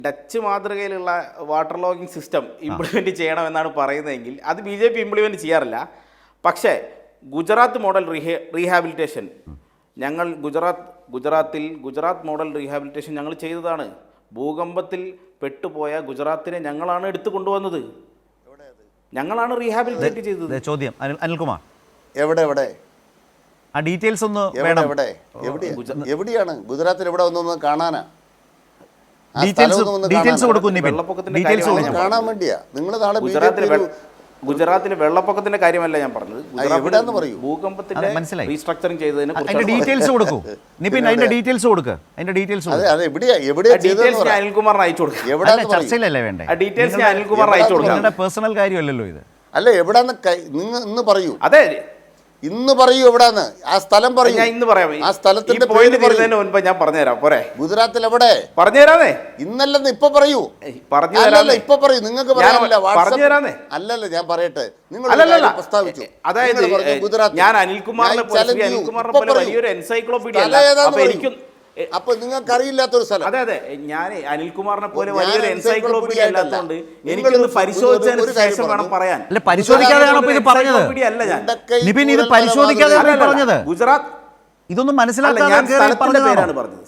Dutch മാതൃകയിലുള്ള water logging system implement ചെയ്യണമെന്നാണ് പറയുന്നതെങ്കിൽ അത് BJP ഇംപ്ലിമെൻറ്റ് ചെയ്യാറില്ല. പക്ഷേ ഗുജറാത്ത് മോഡൽ റീഹാബിലിറ്റേഷൻ ഞങ്ങൾ ഗുജറാത്ത് മോഡൽ റീഹാബിലിറ്റേഷൻ ഞങ്ങൾ ചെയ്തതാണ്. ഭൂകമ്പത്തിൽ പെട്ടുപോയ ഗുജറാത്തിനെ ഞങ്ങളാണ് എടുത്തു കൊണ്ടുവന്നത്. ഞങ്ങളാണ് റീഹാബിലിറ്റേറ്റ് ചെയ്തത്. ചോദ്യം അനിൽകുമാർ, എവിടെ ആ ഡീറ്റെയിൽസ് ഒന്ന് വേണം. എവിടെയാണ് ഗുജറാത്തിൽ എവിടെ ഒന്നൊന്ന് കാണാനാ? ഡീറ്റെയിൽസ് കൊടുക്കും. കാണാൻ വേണ്ടിയാ നിങ്ങൾ നാളെ ഗുജറാത്തിലെ വെള്ളപ്പൊക്കത്തിന്റെ കാര്യമല്ല ഞാൻ പറഞ്ഞത്. എവിടെയാന്ന് പറയൂ. ഭൂകമ്പത്തിന്റെ മനസ്സിലായി. റീസ്ട്രക്ചറിങ് ചെയ്തതിന് അതിന്റെ ഡീറ്റെയിൽസ് കൊടുക്കൂ. നിപിൻ അതിന്റെ ഡീറ്റെയിൽസ് കൊടുക്കുക. അതിന്റെ ഡീറ്റെയിൽസ് ഡീറ്റെയിൽസ് ഞാൻ അനിൽകുമാറിന് അയച്ചു കൊടുക്കാം. ചർച്ചയിലല്ലേ വേണ്ടേ? ഡീറ്റെയിൽസ് ഞാൻ അനിൽകുമാറിന് അയച്ചു കൊടുക്കാം. നിങ്ങളുടെ പേഴ്സണൽ കാര്യമല്ലല്ലോ ഇത്. അല്ല എവിടാന്ന് നിങ്ങൾ ഇന്ന് പറയൂ. അതെ ഇന്ന് പറയൂ എവിടാന്ന്. ആ സ്ഥലം പറയൂ. ഞാൻ ഇന്ന് പറയാം. ആ സ്ഥലത്തിന്റെ പോയിന്റ് വരുന്നതിന് മുൻപ് ഞാൻ പറഞ്ഞുതരാം. പോരെ? ഗുജറാത്തിൽ എവിടെ പറഞ്ഞുതരാന്നേ. ഇന്നല്ലെന്ന് ഇപ്പൊ പറയൂ. പറഞ്ഞുതരാന്നേ. ഇപ്പൊ പറയൂ. നിങ്ങൾക്ക് പറഞ്ഞുതരാന്നേ. അല്ലല്ല ഞാൻ പറയട്ടെ. നിങ്ങൾ പ്രസ്താവിച്ചു. അതായത് ഞാൻ അനിൽകുമാറിനെ പോലെ വലിയൊരു എൻസൈക്ലോപീഡിയ എനിക്കും. അപ്പൊ നിങ്ങൾക്ക് അറിയില്ലാത്തൊരു സ്ഥലം. അതെ ഞാൻ അനിൽകുമാറിനെ പോലെ വലിയൊരു എൻസൈക്ലോപീഡിയ അല്ലാത്തതുകൊണ്ട് എനിക്കൊന്ന് പരിശോധിച്ചതിന് ശേഷം വേണം പറയാൻ. അല്ല പരിശോധിക്കാതെയാണോ ഇത് പറഞ്ഞത്? നിപിൻ ഇത് പരിശോധിക്കാതെയാണ് പറഞ്ഞത്. ഗുജറാത്ത് ഇതൊന്നും ഞാൻ സ്ഥലത്തിന്റെ പേരാണ് മനസ്സിലാക്കാതെ പറഞ്ഞത്.